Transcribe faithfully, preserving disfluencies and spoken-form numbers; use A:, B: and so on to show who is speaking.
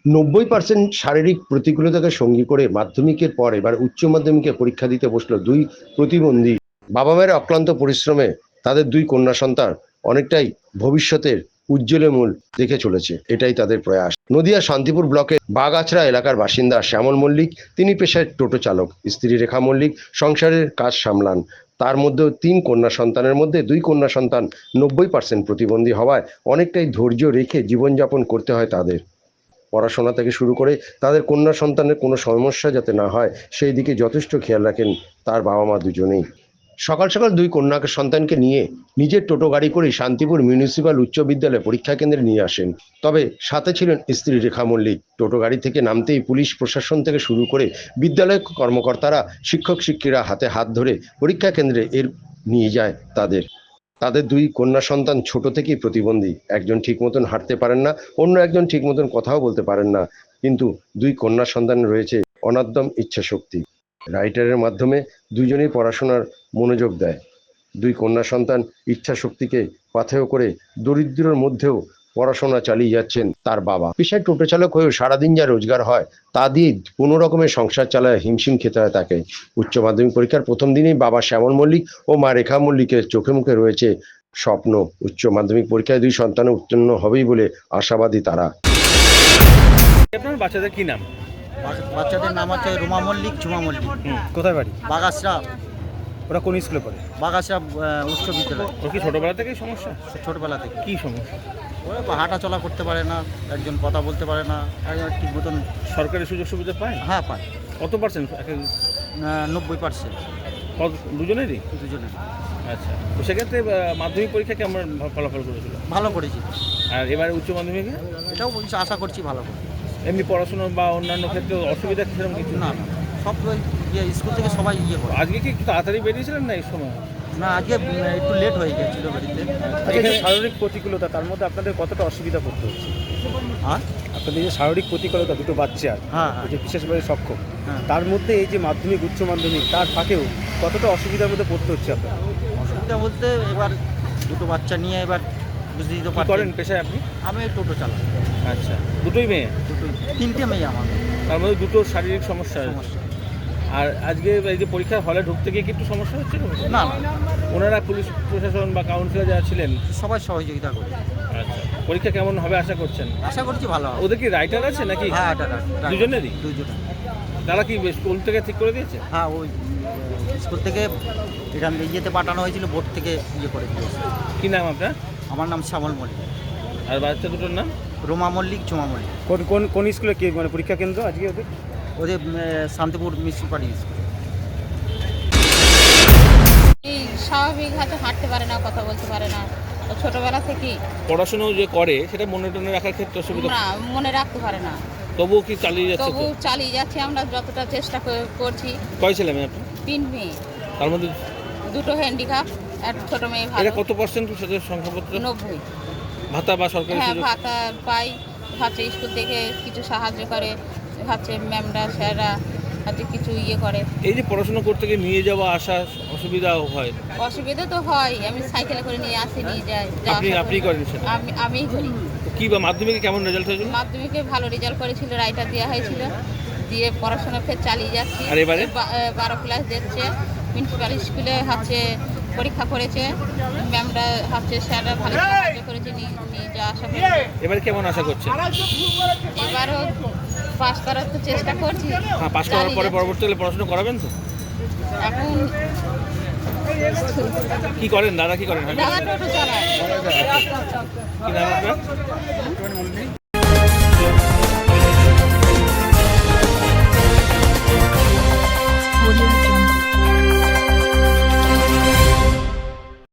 A: নব্বই পার্সেন্ট শারীরিক প্রতিকূলতাকে সঙ্গী করে মাধ্যমিকের পর এবার উচ্চ মাধ্যমিকে পরীক্ষা দিতে বসলো দুই প্রতিবন্ধী। বাবা মায়ের অক্লান্ত পরিশ্রমে তাদের দুই কন্যা সন্তান অনেকটাই ভবিষ্যতের উজ্জ্বলে মূল দেখে চলেছে, এটাই তাদের প্রয়াস। নদিয়া শান্তিপুর ব্লকের বাগাছড়া এলাকার বাসিন্দা শ্যামল মল্লিক, তিনি পেশায় টোটো চালক। স্ত্রী রেখা মল্লিক সংসারের কাজ সামলান। তার মধ্যেও তিন কন্যা সন্তানের মধ্যে দুই কন্যা সন্তান নব্বই পার্সেন্ট প্রতিবন্ধী হওয়ায় অনেকটাই ধৈর্য রেখে জীবনযাপন করতে হয় তাদের। পড়াশোনা থেকে শুরু করে তাদের কন্যা সন্তানের কোনো সমস্যা যাতে না হয় সেই দিকে যথেষ্ট খেয়াল রাখেন তার বাবা মা দুজনেই। সকাল সকাল দুই কন্যা সন্তানকে নিয়ে নিজের টোটো গাড়ি করে শান্তিপুর মিউনিসিপ্যাল উচ্চ বিদ্যালয়ে পরীক্ষা কেন্দ্রে নিয়ে আসেন। তবে সাথে ছিলেন স্ত্রী রেখা মল্লিক। টোটো গাড়ি থেকে নামতেই পুলিশ প্রশাসন থেকে শুরু করে বিদ্যালয় কর্মকর্তারা, শিক্ষক শিক্ষিরা হাতে হাত ধরে পরীক্ষা কেন্দ্রে এর নিয়ে যায় তাদের। তাদের দুই কন্যা সন্তান ছোট থেকেই প্রতিবন্ধী। একজন ঠিক মতন হাঁটতে পারেন না, অন্য একজন ঠিক মতন কথাও বলতে পারেন না, কিন্তু দুই কন্যা সন্তান রয়েছে অনাদ্যম ইচ্ছা শক্তি। রাইটারের মাধ্যমে দুইজনেই পড়াশোনার মনোযোগ দেয়। দুই কন্যা সন্তান ইচ্ছা শক্তিকে পাথেয় করে দরিদ্রের মধ্যেও পড়াশোনা চালিয়ে যাচ্ছেন তার বাবা। পেশায় টোটো চালক হয়েও সারাদিন যা রোজগার হয় তা দিয়ে কোনো রকমের সংসার চালায় হিমশিম খেতে হয় তাকে। উচ্চ মাধ্যমিক পরীক্ষার প্রথম দিনেই বাবা শ্যামল মল্লিক ও মা রেখা মল্লিকের চোখে মুখে রয়েছে স্বপ্ন। উচ্চ মাধ্যমিক পরীক্ষায় দুই সন্তান উত্তীর্ণ হবেই বলে আশাবাদী তারা।
B: আপনার বাচ্চাদের কি নাম?
C: বাচ্চাদের নাম হচ্ছে রুমা মল্লিক, ঝুমা মল্লিক।
B: কোথায় বাড়ি?
C: বাগাসরা।
B: ওরা কোন স্কুলে পড়ে?
C: বাগাসরা উচ্চ বিদ্যালয়।
B: ওর কি ছোটবেলা থেকেই সমস্যা?
C: ছোটবেলা থেকে।
B: কি সমস্যা?
C: ওরা হাঁটা চলা করতে পারে না, একজন কথা বলতে পারে না, একজন ঠিক মতন।
B: সরকারি সুযোগ সুবিধা পায়?
C: হ্যাঁ পায়।
B: কত পার্সেন্ট?
C: নব্বই পার্সেন্ট
B: দুজনেরই?
C: দুজনে।
B: আচ্ছা, তো সেক্ষেত্রে মাধ্যমিক পরীক্ষা কেমন ফলাফল করেছিল?
C: ভালো করেছি।
B: আর এবারে উচ্চ মাধ্যমিকে?
C: এটাও বলছি, আশা করছি ভালো করে।
B: এমনি পড়াশোনা বা অন্যান্য ক্ষেত্রে অসুবিধা সেরকম কিছু
C: না? সব ইয়ে স্কুল থেকে সবাই ইয়ে করে।
B: আজকে কি একটু তাড়াতাড়ি বেরিয়েছিলেন না এই সময়?
C: না, আজকে একটু লেট হয়ে গেছিল বাড়িতে।
B: আচ্ছা, শারীরিক প্রতিকূলতা, তার মধ্যে আপনাদের কতটা অসুবিধা পড়তে হচ্ছে?
C: হ্যাঁ,
B: আপনাদের যে শারীরিক প্রতিকূলতা, দুটো বাচ্চা,
C: হ্যাঁ,
B: যে বিশেষভাবে সক্ষম,
C: হ্যাঁ,
B: তার মধ্যে এই যে মাধ্যমিক উচ্চ মাধ্যমিক, তার ফাঁকেও কতটা অসুবিধার মধ্যে পড়তে হচ্ছে আপনার?
C: অসুবিধা বলতে এবার দুটো বাচ্চা নিয়ে এবার বুঝতেই তো পারছেন।
B: করেন পেশায় আপনি?
C: আমি টোটো চালাই।
B: আচ্ছা, দুটোই মেয়ে?
C: দুটো, তিনটে মেয়ে আমার।
B: তার মধ্যে দুটো শারীরিক সমস্যা আছে।
C: সমস্যা।
B: আর আজকে এই যে পরীক্ষার হলে ঢুকতে গিয়ে কি একটু সমস্যা হচ্ছে?
C: না,
B: ওনারা পুলিশ প্রশাসন বা কাউন্সিলর যারা ছিলেন
C: সবাই সহযোগিতা করে।
B: আচ্ছা, পরীক্ষা কেমন হবে আশা করছেন?
C: আশা করছি ভালো হবে।
B: ওদের কি রাইটার আছে নাকি?
C: হ্যাঁ, এটা
B: দুজনেরই?
C: দুজনে।
B: তারা কি স্কুল থেকে ঠিক করে দিয়েছে?
C: হ্যাঁ, ওই স্কুল থেকে এখান ইয়েতে পাঠানো হয়েছিল, বোর্ড থেকে ইয়ে করে দিয়েছে।
B: কি নাম আপনার?
C: আমার নাম শ্যামল মল্লিক।
B: আর বাচ্চা দুটোর নাম?
C: রোমা মল্লিক, ঝুমা মল্লিক।
B: কোন কোন কোন স্কুলে কি মানে পরীক্ষা কেন্দ্র আজকে ওদের?
C: ওদের শান্তিপুর মিউনিসিপ্যালিটি স্কুল।
D: এই স্বাভাবিক হয়তো হাঁটতে পারে না, কথা বলতে পারে না, ও ছোটবেলা থেকেই
B: পড়াশোনা যে করে সেটা মনে টনে রাখার ক্ষেত্রে অসুবিধা?
D: না, মনে রাখতে পারে না।
B: তবুও কি চালিয়ে যাচ্ছে?
D: তবু
B: তো
D: চালিয়ে যাচ্ছি, আমরা যতটা চেষ্টা করে- করছি।
B: কয় ছেলে মেয়ে আপনার?
D: তিন মেয়ে,
B: তার মধ্যে
D: দুটো হ্যান্ডিক্যাপ, এক ছোট মেয়ে ভালো।
B: এটা কত পার্সেন্ট সাথে সংখ্যাপত্র?
D: নব্বই।
B: ভাতা বা সরকারি
D: হ্যাঁ,
B: সুযোগ?
D: ভাতা পাই, হচ্ছে স্কুল থেকে কিছু সাহায্য করে, হচ্ছে ম্যামরা স্যাররা হচ্ছে কিছু ইয়ে করে।
B: এই যে পড়াশোনা করতে গিয়ে নিয়ে যাওয়া আসা অসুবিধা হয়?
D: অসুবিধা তো হয়, আমি সাইকেলে করে নিয়ে আসি, নিয়ে যাই। যাওয়া
B: আপনি
D: আসা
B: আপনি
D: করি।
B: করেন সেটা?
D: আমি আমিই করি।
B: তো কি বা মাধ্যমিকে কেমন রেজাল্ট হয়েছিল?
D: মাধ্যমিকে ভালো রেজাল্ট করেছিল, রাইটার দেওয়া হয়েছিল, দিয়ে পড়াশোনা ফের চালিয়ে যাচ্ছি।
B: আর এবারে?
D: বা- এ, বারো ক্লাস দিচ্ছে, মিউনিসিপ্যাল স্কুলে হচ্ছে পরীক্ষা করেছে, ম্যামরা হচ্ছে স্যাররা ভালো সাহায্য করেছে, নিয়ে নিয়ে যাওয়া আসা করেছে।
B: এবারে কেমন আশা করছেন?
D: এবারও পাস করার তো চেষ্টা করছি।
B: হ্যাঁ, পাস করার
D: চালিয়ে
B: পরে
D: যাচ্ছি।
B: পরবর্তীকালে পড়াশোনা করাবেন তো?
D: এখন
B: কি করেন দাদা, কি করেন?
D: দাদা টোটো চালায়।
B: কি নাম আপনার?